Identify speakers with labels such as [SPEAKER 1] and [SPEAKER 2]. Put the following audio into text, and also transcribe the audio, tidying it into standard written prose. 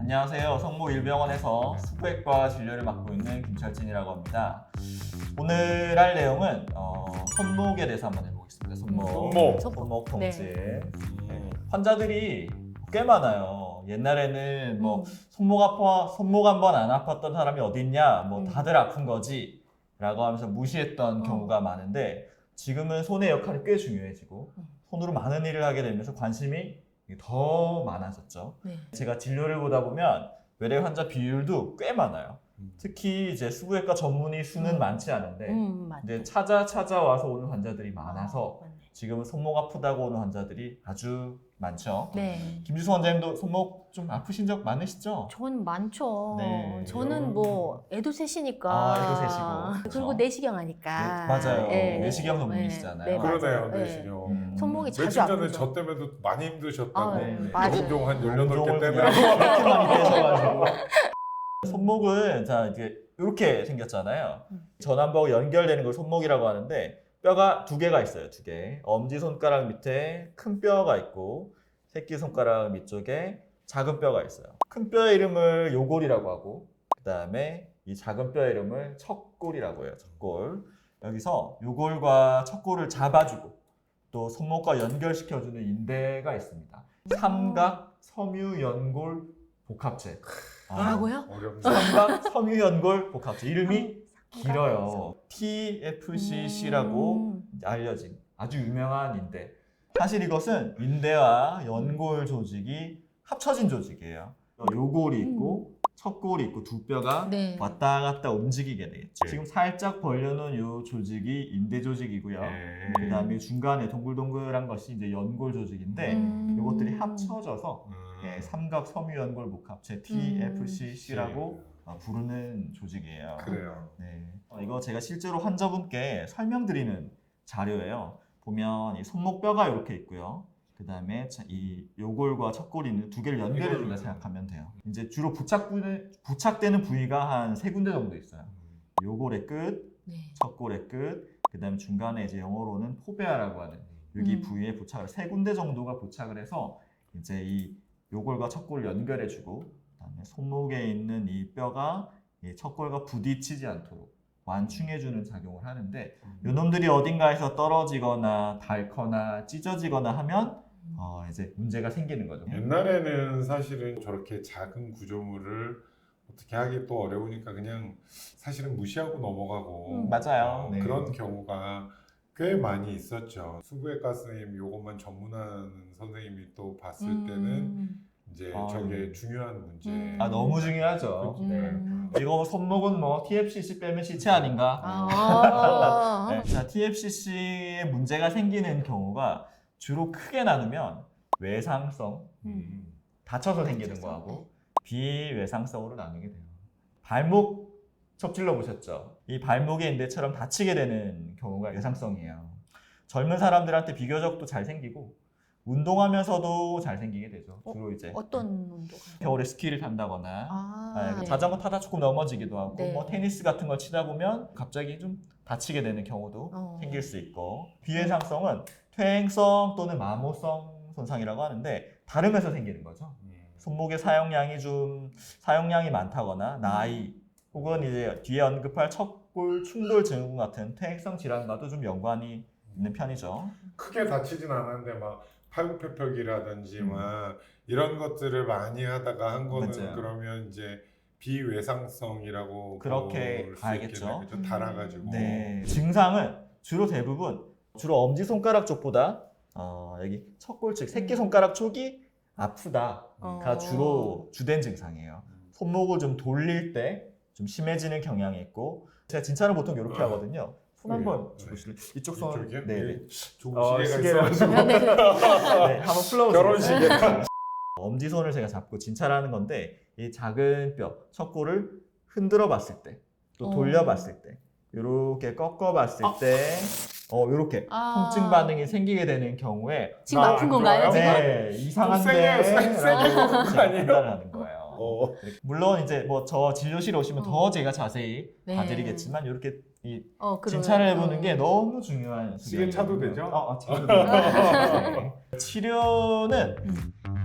[SPEAKER 1] 안녕하세요. 성모일병원에서 수부외과 진료를 맡고 있는 김철진이라고 합니다. 오늘 할 내용은 손목에 대해서 한번 해보겠습니다. 손목 통증. 네. 환자들이 꽤 많아요. 옛날에는 뭐 손목 한 번 안 아팠던 사람이 어딨냐, 뭐 다들 아픈 거지 라고 하면서 무시했던 경우가 많은데, 지금은 손의 역할이 꽤 중요해지고 손으로 많은 일을 하게 되면서 관심이 더 많아졌죠. 네. 제가 진료를 보다 보면 외래 환자 비율도 꽤 많아요. 특히 이제 수부외과 전문의 수는 많지 않은데 근데 찾아와서 오는 환자들이 많아서 지금은 손목 아프다고 오는 환자들이 아주 많죠.
[SPEAKER 2] 네.
[SPEAKER 1] 김지수 원장님도 손목 좀 아프신 적 많으시죠?
[SPEAKER 2] 전 많죠.
[SPEAKER 1] 네.
[SPEAKER 2] 저는 뭐 애도 셋이니까.
[SPEAKER 1] 애도 셋이고.
[SPEAKER 2] 그리고 내시경 하니까.
[SPEAKER 1] 네, 맞아요.
[SPEAKER 2] 네.
[SPEAKER 1] 내시경 전문이시잖아요.
[SPEAKER 2] 네,
[SPEAKER 3] 그러네요,
[SPEAKER 2] 네.
[SPEAKER 3] 내시경.
[SPEAKER 2] 손목이
[SPEAKER 3] 며칠
[SPEAKER 2] 자주
[SPEAKER 3] 전에
[SPEAKER 2] 아프죠.
[SPEAKER 3] 저 때문에도 많이 힘드셨다고.
[SPEAKER 2] 맞아요.
[SPEAKER 3] 용종 한 18개
[SPEAKER 1] 용종을
[SPEAKER 3] 때문에.
[SPEAKER 1] 그렇게 많이 떼셔가지고. 손목은 자 이렇게 생겼잖아요. 전완부하고 연결되는 걸 손목이라고 하는데, 뼈가 두 개가 있어요. 두 개. 엄지손가락 밑에 큰 뼈가 있고 새끼손가락 밑쪽에 작은 뼈가 있어요. 큰 뼈의 이름을 요골이라고 하고, 그 다음에 이 작은 뼈의 이름을 척골이라고 해요. 척골. 여기서 요골과 척골을 잡아주고 또 손목과 연결시켜주는 인대가 있습니다. 삼각 섬유연골 복합체.
[SPEAKER 2] 뭐라고요?
[SPEAKER 3] 어렵네.
[SPEAKER 1] 삼각 섬유연골 복합체. 이름이 길어요. TFCC라고 알려진 아주 유명한 인대. 사실 이것은 인대와 연골 조직이 합쳐진 조직이에요. 요골이 있고 척골이 있고 두 뼈가
[SPEAKER 2] 네.
[SPEAKER 1] 왔다 갔다 움직이게 되겠죠. 지금 살짝 벌려놓은 이 조직이 인대 조직이고요. 그 다음에 중간에 동글동글한 것이 이제 연골 조직인데 이것들이 합쳐져서 삼각 섬유연골 복합체 TFCC라고 부르는 조직이에요.
[SPEAKER 3] 그래요.
[SPEAKER 1] 네. 이거 제가 실제로 환자분께 설명드리는 자료예요. 보면 이 손목뼈가 이렇게 있고요. 그 다음에 이 요골과 척골이 있는 두 개를 연결해준다 생각하면 돼요. 이제 주로 부착되는 부위가 한 세 군데 정도 있어요. 요골의 끝, 척골의 끝, 그 다음에 중간에 이제 영어로는 포베아라고 하는 여기 부위에 부착을 세 군데 정도가 부착을 해서 이제 이 요골과 척골을 연결해주고, 그다음에 손목에 있는 이 뼈가 이 척골과 부딪히지 않도록 완충해주는 작용을 하는데, 요놈들이 어딘가에서 떨어지거나 닳거나 찢어지거나 하면 이제 문제가 생기는 거죠.
[SPEAKER 3] 옛날에는 사실은 저렇게 작은 구조물을 어떻게 하기 또 어려우니까 그냥 사실은 무시하고 넘어가고
[SPEAKER 1] 맞아요. 네.
[SPEAKER 3] 그런 경우가 꽤 많이 있었죠. 수부외과 선생님 요것만 전문하는 선생님이 또 봤을 때는 이제 저게 중요한 문제.
[SPEAKER 1] 너무 중요하죠. 네. 이거 손목은 뭐 TFCC 빼면 시체 아닌가? 네. 자, TFCC에 문제가 생기는 경우가 주로 크게 나누면 외상성, 다쳐서 생기는 거하고 비외상성으로 나누게 돼요. 발목 척질러 보셨죠? 이 발목의 인대처럼 다치게 되는 경우가 외상성이에요. 젊은 사람들한테 비교적 또 잘 생기고 운동하면서도 잘 생기게 되죠. 주로 이제
[SPEAKER 2] 어떤 운동?
[SPEAKER 1] 겨울에 스키를 탄다거나 자전거 타다 조금 넘어지기도 하고 뭐 테니스 같은 걸 치다 보면 갑자기 좀 다치게 되는 경우도 생길 수 있고, 비외상성은 퇴행성 또는 마모성 손상이라고 하는데 다름에서 생기는 거죠. 손목의 사용량이 많다거나 나이 혹은 이제 뒤에 언급할 척골 충돌 증후군 같은 퇴행성 질환과도 좀 연관이 있는 편이죠.
[SPEAKER 3] 크게 다치진 않았는데 막 팔굽혀펴기라든지 막 이런 것들을 많이 하다가 한 거는
[SPEAKER 1] 맞아요.
[SPEAKER 3] 그러면 이제 비외상성이라고
[SPEAKER 1] 그렇게
[SPEAKER 3] 볼수
[SPEAKER 1] 봐야겠죠.
[SPEAKER 3] 있겠네요. 그죠? 달아가지고.
[SPEAKER 1] 네. 증상은 주로 엄지손가락 쪽보다 여기 척골 측 새끼손가락 쪽이 아프다가 주로 주된 증상이에요. 손목을 좀 돌릴 때 좀 심해지는 경향이 있고, 제가 진찰을 보통 이렇게 하거든요. 손 한번 주실래요? 이쪽 손.
[SPEAKER 3] 이쪽이요?
[SPEAKER 1] 네.
[SPEAKER 3] 좋은 시계가
[SPEAKER 1] 시계를
[SPEAKER 3] 있어가지고.
[SPEAKER 1] 네, 한번 풀어보세요.
[SPEAKER 3] 결혼식에.
[SPEAKER 1] 엄지손을 제가 잡고 진찰하는 건데, 이 작은 뼈, 척골을 흔들어 봤을 때, 또 돌려 봤을 때, 이렇게 꺾어 봤을 때, 이렇게 통증 반응이 생기게 되는 경우에
[SPEAKER 2] 지금 아픈 건가요? 지금?
[SPEAKER 1] 네, 이상한데
[SPEAKER 3] 세게 보는 거
[SPEAKER 1] 제가
[SPEAKER 3] 아니에요?
[SPEAKER 1] 판단을 하는 거예요. 물론 이제 뭐 저 진료실에 오시면 더 제가 자세히
[SPEAKER 2] 네.
[SPEAKER 1] 봐드리겠지만 이렇게 이
[SPEAKER 2] 그러네요.
[SPEAKER 1] 진찰을 해보는 게 너무 중요한
[SPEAKER 3] 시계 차도
[SPEAKER 1] 수단이거든요.
[SPEAKER 3] 되죠?
[SPEAKER 1] 차도 되죠. 네. 치료는